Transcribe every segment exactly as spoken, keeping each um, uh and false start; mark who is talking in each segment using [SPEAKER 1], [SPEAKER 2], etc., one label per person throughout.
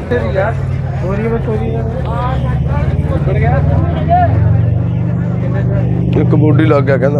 [SPEAKER 1] ਇੱਕ ਬੋਡੀ ਲੱਗ ਗਿਆ ਕਹਿੰਦਾ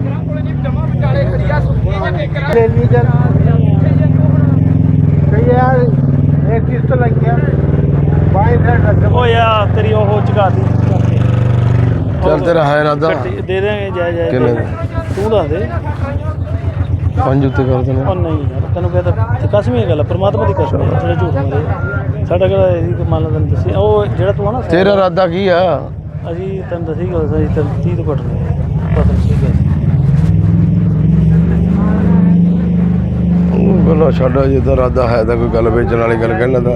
[SPEAKER 2] यार एक चीज तो लग गया बाएं साइड रख
[SPEAKER 3] ओ यार तेरी वो चुका दी
[SPEAKER 1] चल तेरा है इरादा
[SPEAKER 3] दे देंगे जाए जाए
[SPEAKER 1] किन्ने
[SPEAKER 3] तू दस दे
[SPEAKER 1] पंज उत्ते कर देने
[SPEAKER 3] ਉਹ ਨਹੀਂ ਯਾਰ ਤੈਨੂੰ ਕਹਿੰਦਾ ਕਸਮ ਹੀ ਗੱਲ ਆ ਪਰਮਾਤਮਾ ਦੀ ਕਸਮ ਹੈ ਜਿਹੜਾ ਝੂਠ ਮਾਰੇ ਸਾਡਾ ਕਿਹੜਾ ਇਹਦੀ ਮੰਨ ਲਾ ਤੈਨੂੰ ਦੱਸੀ ਉਹ ਜਿਹੜਾ ਤੂੰ ਆ ਨਾ
[SPEAKER 1] ਤੇਰਾ ਇਰਾਦਾ ਕੀ ਆ
[SPEAKER 3] ਅਸੀਂ ਤੈਨੂੰ ਦੱਸੀ ਗੱਲ ਸਹੀ ਤੈਨੂੰ ਤੀਹ ਤੋਂ ਘੱਟ ਨਹੀਂ ਪਤਾ ਨਹੀਂ ਸਹੀ ਗੱਲ
[SPEAKER 1] ਉਹ ਗੱਲਾਂ ਛੱਡ ਜੇ ਤਾਂ ਇਰਾਦਾ ਹੈ ਤਾਂ ਕੋਈ ਗੱਲ ਵੇਚਣ ਵਾਲੀ ਗੱਲ ਕਹਿਣਾ ਤਾਂ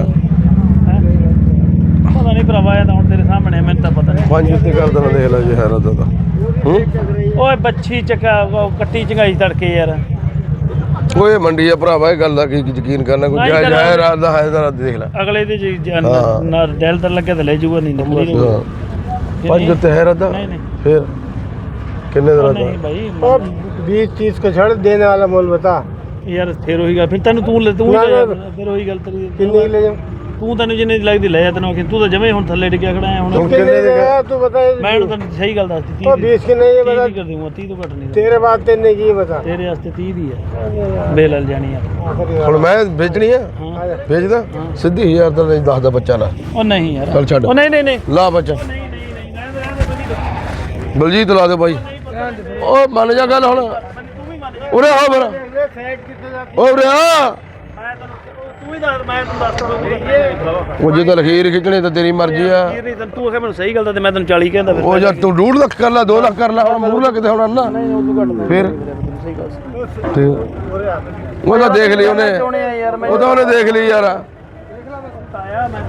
[SPEAKER 3] ਪਤਾ ਨਹੀਂ ਭਰਾਵਾ ਇਹ ਤਾਂ ਹੁਣ ਤੇਰੇ ਸਾਹਮਣੇ ਮੈਨੂੰ ਤਾਂ ਪਤਾ ਨਹੀਂ
[SPEAKER 1] ਪੰਜ ਉੱਤੇ ਕਰ ਦੇਣਾ ਦੇਖ ਲੈ ਜੇ ਹੈ ਇਰਾਦਾ ਤਾਂ ਹੂੰ
[SPEAKER 3] ਓਏ ਬੱਚੀ ਚੱਕਾ ਕੱਟੀ ਚੰਗਾਈ ਤੜਕੇ ਯਾਰ
[SPEAKER 1] ਓਏ ਮੰਡੀ ਆ ਭਰਾਵਾ ਇਹ ਗੱਲ ਦਾ ਕੀ ਯਕੀਨ ਕਰਨਾ ਕੋਈ ਜਾਇਜ਼ ਹੈ ਇਰਾਦਾ ਹੈ ਤਾਂ ਦੇਖ ਲੈ
[SPEAKER 3] ਅਗਲੇ ਦੇ ਨਾ ਦਿਲ ਤਾਂ ਲੱਗੇ ਤਾਂ ਲੈ ਜਾਊਗਾ ਨਹੀਂ ਨਿਕਲੀ
[SPEAKER 1] ਪੰਜ ਉੱਤੇ ਹੈ ਇਰਾਦਾ
[SPEAKER 3] नहीं नहीं
[SPEAKER 1] फिर किन्ने ਦਾ ਇਰਾਦਾ
[SPEAKER 3] नहीं भाई
[SPEAKER 2] और बीस तीस को छड़ देने वाला मोल बता
[SPEAKER 3] यार फिर वही गल फिर तेन तू तू फिर वही गल तेरी
[SPEAKER 2] किन्ने की ले जाऊं
[SPEAKER 3] ਤੂੰ ਤੈਨੂੰ ਜਿੰਨੇ ਦੀ ਲੱਗਦੀ ਲੈ ਜਾ ਤੈਨੂੰ ਆਖੀ ਤੂੰ ਤਾਂ ਜਮੇ ਹੁਣ ਥੱਲੇ ਡਿੱਗਿਆ ਖੜਾ ਹੈ ਹੁਣ
[SPEAKER 2] तू किन्ने दे तू बता
[SPEAKER 3] ਮੈਂ ਤੈਨੂੰ ਸਹੀ ਗੱਲ ਦੱਸਦੀ
[SPEAKER 2] तो बीस की नहीं है बता
[SPEAKER 3] ਕਰ ਦੂੰਗਾ ਤੀਹ ਤੋਂ ਘੱਟ ਨਹੀਂ
[SPEAKER 2] तेरे बात तेने की बता
[SPEAKER 3] ਤੇਰੇ ਵਾਸਤੇ ਤੀਹ ਦੀ ਹੈ ਬੇਲਲ ਜਾਣੀ ਆ
[SPEAKER 1] ਹੁਣ ਮੈਂ ਵੇਚਣੀ ਆ
[SPEAKER 3] ਹਾਂ
[SPEAKER 1] ਵੇਚਦਾ ਸਿੱਧੀ ਹਜ਼ਾਰ ਦਾ ਨਹੀਂ ਦਸ ਦਾ ਬੱਚਾ ਲਾ
[SPEAKER 3] ਉਹ ਨਹੀਂ ਯਾਰ
[SPEAKER 1] ਚੱਲ ਛੱਡ
[SPEAKER 3] ਉਹ ਨਹੀਂ ਨਹੀਂ ਨਹੀਂ
[SPEAKER 1] ਲਾ ਬੱਚਾ
[SPEAKER 3] ਨਹੀਂ ਨਹੀਂ ਨਹੀਂ ਰਹਿਣ ਦੇ ਰਹਿਣ ਦੇ
[SPEAKER 1] ਬਲਜੀਤ ਲਾ ਦੇ ਬਾਈ ਉਹ ਮੰਨ ਜਾ ਗੱਲ ਹੁਣ
[SPEAKER 3] ਤੂੰ ਵੀ ਮੰਨ ਜਾ
[SPEAKER 1] ਉਰੇ ਆ ਫਿਰ
[SPEAKER 2] साइड कितने जाती
[SPEAKER 1] ਉਹ ਉਰੇ ਆ
[SPEAKER 3] ਮੈਂ ਤੈਨੂੰ ਤੂੰ ਹੀ ਦੱਸ ਮੈਂ ਤੈਨੂੰ ਦੱਸ
[SPEAKER 1] ਉਹ ਜੇ ਤਾਂ ਲਖੀਰ ਖਿੱਚਣੀ ਤਾਂ ਤੇਰੀ ਮਰਜ਼ੀ ਆ
[SPEAKER 3] ਨਹੀਂ ਤੈਨੂੰ ਤੂੰ ਆਖੇ ਮੈਨੂੰ ਸਹੀ ਗੱਲ ਦਾ ਤੇ ਮੈਂ ਤੈਨੂੰ ਚਾਲੀ ਕਹਿੰਦਾ ਫਿਰ
[SPEAKER 1] ਉਹ ਯਾਰ ਤੂੰ ਡੂਢ ਲੱਖ ਕਰ ਲੈ ਦੋ ਲੱਖ ਕਰ ਲੈ ਹੁਣ ਮੂੰਹ ਲੱਗ ਤੇ ਹੁਣ ਨਾ
[SPEAKER 3] ਨਹੀਂ ਉਹ ਤੋਂ ਘੱਟ
[SPEAKER 1] ਫਿਰ
[SPEAKER 3] ਸਹੀ ਗੱਲ
[SPEAKER 1] ਤੇ ਉਹ ਤਾਂ ਦੇਖ ਲਈ ਉਹਨੇ
[SPEAKER 3] ਚੋਣੇ ਆ ਯਾਰ ਮੈਂ
[SPEAKER 1] ਉਹ ਤਾਂ ਉਹਨੇ ਦੇਖ ਲਈ ਯਾਰ
[SPEAKER 3] ਆਇਆ ਮੈਂ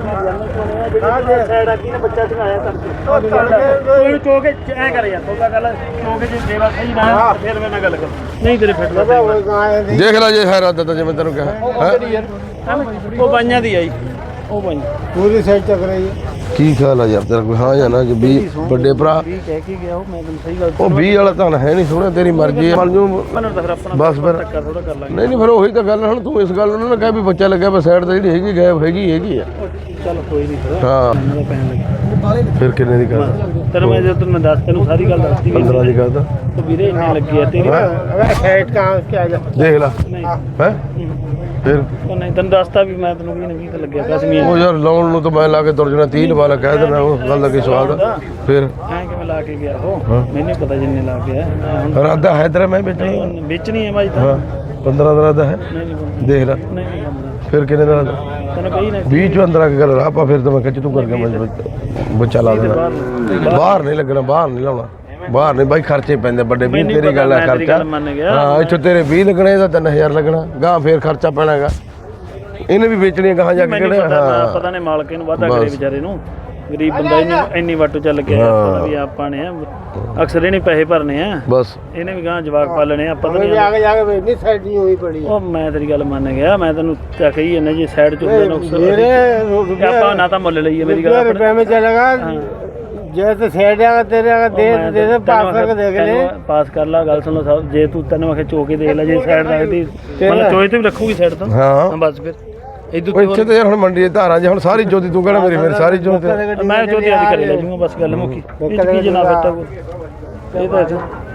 [SPEAKER 3] ਜਿਹੜਾ ਸਾਈਡ ਆ ਕੀ ਨੇ ਬੱਚਾ ਚਗਾਇਆ ਕਰਕੇ ਕੋਈ ਚੋ ਕੇ ਐ ਕਰ ਯਾਰ ਤੋਗਾ ਗੱਲ ਚੋ ਕੇ ਜੇ ਸੇਵਾ ਸਹੀ ਨਾ ਫਿਰ ਮੇਰੇ ਨਾਲ ਗੱਲ ਕਰ ਨਹੀਂ ਤੇਰੇ ਫਿੱਟ ਦਾ
[SPEAKER 2] वो कहाँ है
[SPEAKER 1] ਦੇਖ ਲੈ ਜੇ ਹੈ ਇਰਾਦਾ ਤਾਂ ਜਿਵੇਂ ਤੈਨੂੰ ਕਿਹਾ ਹੈਂ?
[SPEAKER 3] ਉਹ ਬਾਈਆਂ ਦੀ ਆਈ ਉਹ ਬਾਈ
[SPEAKER 2] पूरी साइड चक रही है
[SPEAKER 1] ਕੀ ਖਿਆਲ ਆ ਯਾਰ ਤੇਰਾ ਕੋਈ ਹਾਂ ਜਾਂ ਨਾ ਕਿ ਵੀ ਵੱਡੇ ਭਰਾ
[SPEAKER 3] ਵੀ ਕਹਿ ਕੇ ਗਿਆ ਉਹ ਮੈਂ ਤੈਨੂੰ ਸਹੀ ਗੱਲ
[SPEAKER 1] ਉਹ ਵੀਹ ਵਾਲਾ ਤਾਂ ਹੈ ਨਹੀਂ ਸੋਹਣਾ ਤੇਰੀ ਮਰਜ਼ੀ ਹੈ ਮਨ ਜੂ
[SPEAKER 3] ਮੈਨੂੰ ਤਾਂ ਫਿਰ ਆਪਣਾ
[SPEAKER 1] ਬਸ ਫਿਰ
[SPEAKER 3] ਧੱਕਾ ਥੋੜਾ ਕਰ ਲਾਂਗੇ
[SPEAKER 1] ਨਹੀਂ ਨਹੀਂ ਫਿਰ ਉਹੀ ਤਾਂ ਗੱਲ ਹੁਣ ਤੂੰ ਇਸ ਗੱਲ ਨੂੰ ਨਾ ਕਹਿ ਵੀ ਬੱਚਾ ਲੱਗਿਆ ਪਰ ਸਾਈਡ ਤੇ ਜਿਹੜੀ ਹੈਗੀ ਗਾਇਬ ਹੈਗੀ ਹੈਗੀ ਆ
[SPEAKER 3] ਚੱਲ ਕੋਈ ਨਹੀਂ ਫਿਰ
[SPEAKER 1] ਹਾਂ
[SPEAKER 3] ਇਹਨਾਂ ਦਾ ਪੈਣ ਲੱਗੇ
[SPEAKER 1] ਫਿਰ ਕਿੰਨੇ ਦੀ ਕਰਦਾ
[SPEAKER 3] ਤੈਨੂੰ ਮੈਂ ਜਦੋਂ ਤੈਨੂੰ ਦੱਸ ਤੈਨੂੰ ਸਾਰੀ ਗੱਲ ਦੱਸਦੀ ਵੀ
[SPEAKER 1] ਪੰਦਰਾਂ ਦੀ ਕਰਦਾ
[SPEAKER 3] ਤੂੰ ਵੀਰੇ ਇੰਨੇ ਲੱਗੀ ਆ ਤੇਰੀ
[SPEAKER 2] अगर साइड कहाँ क्या जा
[SPEAKER 1] ਦੇਖ ਲੈ
[SPEAKER 3] ਨਹੀਂ
[SPEAKER 1] ਹੈ ਫਿਰ
[SPEAKER 3] ਉਹ ਨਹੀਂ ਤੈਨੂੰ ਦੱਸਤਾ ਵੀ ਮੈਂ ਤੈਨੂੰ ਵੀਹ ਨੇ ਵੀਹ ਤੇ ਲੱਗਿਆ ਕਸਮੀਆਂ
[SPEAKER 1] ਉਹ ਯਾਰ ਲਾਉਣ ਨੂੰ ਤਾਂ ਮੈਂ ਲਾ ਕੇ ਤੁਰ ਜਾਣਾ ਤੀਹ ਵਾਲਾ ਕਹਿ ਦੇਣਾ ਉਹ ਗੱਲ ਦਾ ਕੀ ਸਵਾਦ ਆ। ਫਿਰ
[SPEAKER 3] ਐਂ ਕਿਵੇਂ ਲਾ ਕੇ ਗਿਆ ਉਹ ਮੈਨੂੰ ਪਤਾ ਜਿੰਨੇ ਲਾ ਕੇ ਆ ਮੈਂ ਹੁਣ
[SPEAKER 1] ਇਰਾਦਾ ਹੈ ਤੇਰਾ ਮੈਂ ਵੇਚਣੀ ਆ।
[SPEAKER 3] ਵੇਚਣੀ ਹੈ ਭਾਈ ਤਾਂ
[SPEAKER 1] ਹਾਂ ਪੰਦਰਾਂ ਦਾ ਇਰਾਦਾ ਹੈ
[SPEAKER 3] ਨਹੀਂ ਨਹੀਂ
[SPEAKER 1] ਦੇਖ ਲੈ
[SPEAKER 3] ਨਹੀਂ ਨਹੀਂ ਬੰਦਾ
[SPEAKER 1] ਫਿਰ ਕਿੰਨੇ ਦਾ ਇਰਾਦਾ
[SPEAKER 3] ਤੈਨੂੰ ਕਹੀ ਨਾ
[SPEAKER 1] ਵੀਹ ਚੋਂ ਅੰਦਰ ਆ ਕੇ ਗੱਲ ਆਪਾਂ ਫਿਰ ਤਾਂ ਮੈਂ ਖਿੱਚ ਤੂੰ ਕਰਕੇ ਮੈਂ ਬੱਚਾ ਲਾ ਦੇਣਾ ਬਾਹਰ ਨਹੀਂ ਲੱਗਣਾ ਬਾਹਰ ਨਹੀਂ ਲਾਉਣਾ ਬਾਹਰ ਨਹੀਂ ਬਾਈ ਖਰਚੇ ਪੈਂਦੇ ਵੱਡੇ ਵੀ ਤੇਰੀ ਗੱਲ ਹੈ ਖਰਚਾ ਹਾਂ ਇੱਥੋਂ ਤੇਰੇ ਵੀਹ ਲੱਗਣੇ ਤਾਂ ਤਿੰਨ ਹਜ਼ਾਰ ਲੱਗਣਾ ਗਾਂ ਫੇਰ ਖਰਚਾ ਪੈਣਾ ਹੈਗਾ ਇਹਨੇ ਵੀ ਵੇਚਣੀ ਗਾਂ ਜਾ ਕੇ ਕਿਹੜੇ
[SPEAKER 3] ਹਾਂ ਪਤਾ ਨਹੀਂ ਮਾਲਕ ਇਹਨੂੰ ਵਾਧਾ ਕਰੇ ਵਿਚਾਰੇ ਨੂੰ ਗਰੀਬ ਬੰਦਾ ਇਹਨੂੰ ਇੰਨੀ ਵਾਟੋ ਚੱਲ ਗਿਆ ਪਤਾ ਵੀ ਆਪਾਂ ਨੇ ਅਕਸਰ ਇਹਨੇ ਪੈਸੇ ਭਰਨੇ ਆ
[SPEAKER 1] ਬਸ
[SPEAKER 3] ਇਹਨੇ ਵੀ ਗਾਂ ਜਵਾਕ ਪਾਲਣੇ ਆ ਪਤਾ
[SPEAKER 2] हमें भी
[SPEAKER 3] ਨਹੀਂ
[SPEAKER 2] आगे जाके भेजनी साइड नहीं हुई पड़ी है
[SPEAKER 3] ਉਹ ਮੈਂ ਤੇਰੀ ਗੱਲ ਮੰਨ ਗਿਆ ਮੈਂ ਤੈਨੂੰ ਤਾਂ ਕਹੀ ਜਾਂਦਾ ਜੀ ਸਾਈਡ ਚ ਹੁੰਦਾ ਨੁਕਸ
[SPEAKER 2] मेरे
[SPEAKER 3] ਆਪਾਂ ਨਾ ਤਾਂ ਮੁੱਲ ਲਈਏ ਮੇਰੀ ਗੱਲ
[SPEAKER 2] रुपये में चलेगा जैसे साइड आएगा तेरे आगे दे दे दे पास करके देख ले
[SPEAKER 3] ਪਾਸ ਕਰ ਲਾ ਗੱਲ ਸੁਣ ਲਓ ਜੇ ਤੂੰ ਤੈਨੂੰ ਆਖੇ ਚੋ ਕੇ ਦੇਖ ਲੈ ਜੇ ਸਾਈਡ ਰੱਖਦੀ ਮਤਲਬ ਚੋਏ ਤੇ ਵੀ ਰੱਖੂਗੀ ਸਾਈਡ ਤੋਂ
[SPEAKER 1] ਹਾਂ
[SPEAKER 3] ਬਸ ਫਿਰ ਇਦੋਂ
[SPEAKER 1] ਉਹ ਇੱਥੇ ਤੇ ਯਾਰ ਹੁਣ ਮੰਡੀ ਦੇ ਧਾਰਾਂ ਜੇ ਹੁਣ ਸਾਰੀ ਜੋਤੀ ਤੂੰ ਕਹਿਣਾ ਮੇਰੀ ਮੇਰੀ ਸਾਰੀ ਜੋਤ
[SPEAKER 3] ਮੈਂ ਚੋਦੀ ਆਦੀ ਕਰੀ ਲੈ ਜੂਗਾ ਬਸ ਗੱਲ ਮੁੱਕੀ ਇਹ ਚ ਕੀ ਜਨਾ ਬੇਟਾ ਕੋ ਇਹ ਤਾਂ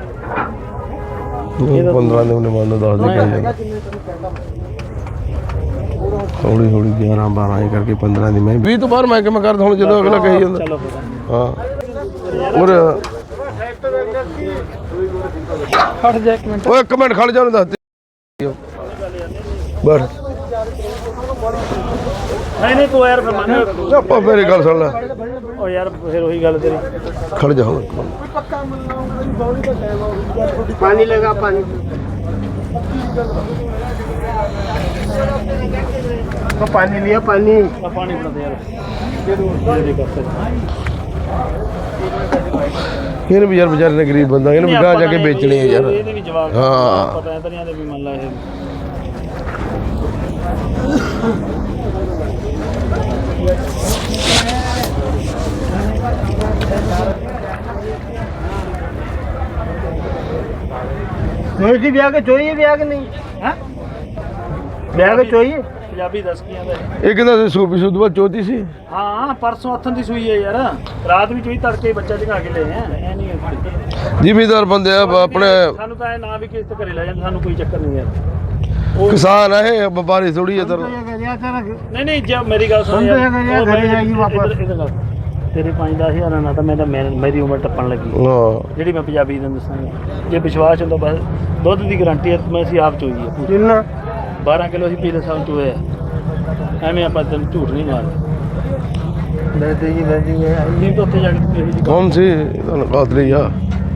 [SPEAKER 1] ਪੰਦਰਾਂ ਦੇ ਉਹਨੇ ਮੰਨ ਦੱਸ ਦੇ ਕਹੀ ਜਾਂਦਾ ਹੌਲੀ ਹੌਲੀ ਗਿਆਰਾਂ ਬਾਰਾਂ ਇਹ ਕਰਕੇ ਪੰਦਰਾਂ ਦੀ ਮੈਂ ਵੀਹ ਤੋਂ ਬਾਅਦ ਮੈਂ ਕਿਵੇਂ ਕਰਦਾ ਹੁਣ ਜਦੋਂ ਅਗਲਾ ਕਹੀ ਜਾਂਦਾ
[SPEAKER 3] ਚਲੋ ਫਿਰ
[SPEAKER 1] ਹਾਂ ਔਰ
[SPEAKER 3] ਖੜ ਜਾ ਇੱਕ ਮਿੰਟ
[SPEAKER 1] ਓਏ ਇੱਕ ਮਿੰਟ ਖੜ ਜਾ ਉਹਨੂੰ ਦੱਸ ਦੇ ਬਸ
[SPEAKER 3] ਨਹੀਂ ਨਹੀਂ ਤੂੰ ਯਾਰ ਫਿਰ ਮੰਨ
[SPEAKER 1] ਆਪਾਂ ਮੇਰੀ ਗੱਲ ਸੁਣ ਲੈ
[SPEAKER 3] ਉਹ ਯਾਰ ਫਿਰ ਉਹੀ ਗੱਲ ਤੇਰੀ
[SPEAKER 1] ਖੜ ਜਾ ਹੁਣ
[SPEAKER 2] पानी लगा पानी तो पानी लिया पानी
[SPEAKER 3] ਆ ਪਾਣੀ ਬਣਾ ਦੇ ਯਾਰ ਦੇ ਕਰ
[SPEAKER 1] ਇਹਨੂੰ ਵੀ ਯਾਰ ਵਿਚਾਰੇ ਨੇ ਗਰੀਬ ਬੰਦਾ ਇਹਨੂੰ ਵੀ ਗਾਂ ਜਾ ਕੇ ਵੇਚਣੀ ਹੈ ਯਾਰ
[SPEAKER 3] ਇਹਦੇ ਵੀ ਜਵਾਬ
[SPEAKER 1] ਹਾਂ
[SPEAKER 3] ਪਤਾ ਹੈ ਤਰੀਆਂ ਦੇ ਵੀ ਮੰਨ ਲਾ ਇਹ
[SPEAKER 2] ब्याह के चाहिए ब्याह के नहीं
[SPEAKER 3] हाँ
[SPEAKER 2] ब्याह के चाहिए
[SPEAKER 3] ਪੰਜਾਬੀ ਦੱਸ ਕੀ ਆਂਦਾ
[SPEAKER 1] ਇਹ ਕਹਿੰਦਾ ਸੀ ਸੂਪੀ ਸੁਧ ਬਾਅਦ ਚੋਤੀ ਸੀ।
[SPEAKER 3] ਹਾਂ ਪਰਸੋਂ ਹੱਥਾਂ ਦੀ ਸੂਈ ਹੈ ਯਾਰ ਰਾਤ ਵੀ ਚੋਈ ਤੜਕੇ ਬੱਚਾ ਝਗਾ ਕੇ ਲੈ ਆ ਐ ਨਹੀਂ
[SPEAKER 1] ਜ਼ਿਮੀਦਾਰ ਬੰਦੇ ਆ ਆਪਣੇ
[SPEAKER 3] ਸਾਨੂੰ ਤਾਂ ਇਹ ਨਾ ਵੀ ਕਿਸ ਤੇ ਘਰੇ ਲੈ ਜਾਂਦੇ ਸਾਨੂੰ ਕੋਈ ਚੱਕਰ ਨਹੀਂ ਯਾਰ
[SPEAKER 1] ਕਿਸਾਨ ਆ ਇਹ ਵਪਾਰੀ ਥੋੜੀ ਹੈ ਤਰ
[SPEAKER 3] ਨਹੀਂ ਨਹੀਂ ਜੇ ਮੇਰੀ ਗੱਲ ਸੁਣ ਯਾਰ
[SPEAKER 2] ਘਰੇ ਜਾਈਏ ਵਾਪਸ।
[SPEAKER 3] ਤੇਰੇ ਪੰਜ ਦਸ ਹਜ਼ਾਰਾਂ ਨਾਲ ਤਾਂ ਮੈਂ ਤਾਂ ਮੈਂ- ਮੇਰੀ ਉਮਰ ਟੱਪਣ ਲੱਗੀ
[SPEAKER 1] ਹਾਂ
[SPEAKER 3] ਜਿਹੜੀ ਮੈਂ ਪੰਜਾਬੀ ਨੂੰ ਦੱਸਾਂਗਾ ਜੇ ਵਿਸ਼ਵਾਸ ਹੁੰਦਾ ਬਸ ਦੁੱਧ ਦੀ ਗਾਰੰਟੀ ਹੈ ਮੈਂ ਅਸੀਂ ਆਪ ਚੋਈ ਹੈ ਪੂਰੀ।
[SPEAKER 2] ਕਿੰਨਾ
[SPEAKER 3] ਬਾਰਾਂ ਕਿਲੋ ਅਸੀਂ ਪਿਛਲੇ ਸਾਲ ਚੋਏ ਆ ਐਵੇਂ ਆਪਾਂ ਤੈਨੂੰ ਝੂਠ ਨਹੀਂ ਮਾਰਦੇ
[SPEAKER 2] ਲੈ ਦੇ ਜੀ ਲੈ ਜੀ
[SPEAKER 3] ਨਹੀਂ ਤਾਂ ਉੱਥੇ ਜਾ ਕੇ ਕਿਸੇ ਦੀ
[SPEAKER 1] ਕੌਣ ਸੀ ਤੁਹਾਨੂੰ ਕਾਤਲੀ ਆ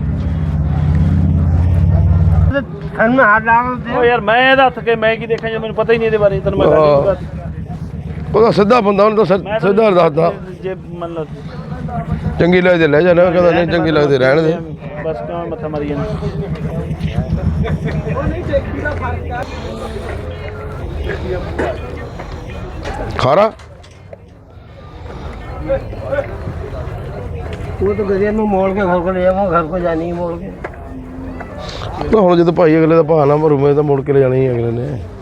[SPEAKER 2] ਖੰਨ ਹੱਥ ਲਾਗ ਦੇ
[SPEAKER 3] ਉਹ ਯਾਰ ਮੈਂ ਇਹਦਾ ਹੱਥ ਕੇ ਮੈਂ ਕੀ ਦੇਖਾਂ ਜੇ ਮੈਨੂੰ ਪਤਾ ਹੀ ਨਹੀਂ ਇਹਦੇ ਬਾਰੇ ਤੈਨੂੰ ਮੈਂ ਗੱਲ ਨਹੀਂ ਕਰਦੀ
[SPEAKER 1] ਉਹਦਾ ਸਿੱਧਾ ਬੰਦਾ ਉਹਨੂੰ ਤਾਂ ਸਿ- ਸਿੱਧਾ ਦੱਸਦਾ
[SPEAKER 3] ਜੇ ਮੰਨ ਲਾ
[SPEAKER 1] ਚੰਗੀ ਲੱਗਦੀ ਲੈ ਜਾਣਾ ਕਹਿੰਦਾ ਨਹੀਂ ਚੰਗੀ ਲੱਗਦੀ ਰਹਿਣ ਦੇ
[SPEAKER 3] ਬਸ ਕਿਉਂ ਮੱਥਾ ਮਾਰੀ ਜਾਂਦਾ
[SPEAKER 1] ਖਾਰਾ
[SPEAKER 2] वो तो गरिया में मोड़ के घर को ले जाऊंगा घर को जानी है मोड़ के
[SPEAKER 1] ਤਾਂ ਹੁਣ ਜਦੋਂ ਭਾਈ ਅਗਲੇ ਦਾ ਭਾਅ ਨਾ ਭਰੂ ਮੈਂ ਤਾਂ ਮੁੜ ਕੇ ਲੈ ਜਾਣੀ ਹੀ ਅਗਲੇ ਨੇ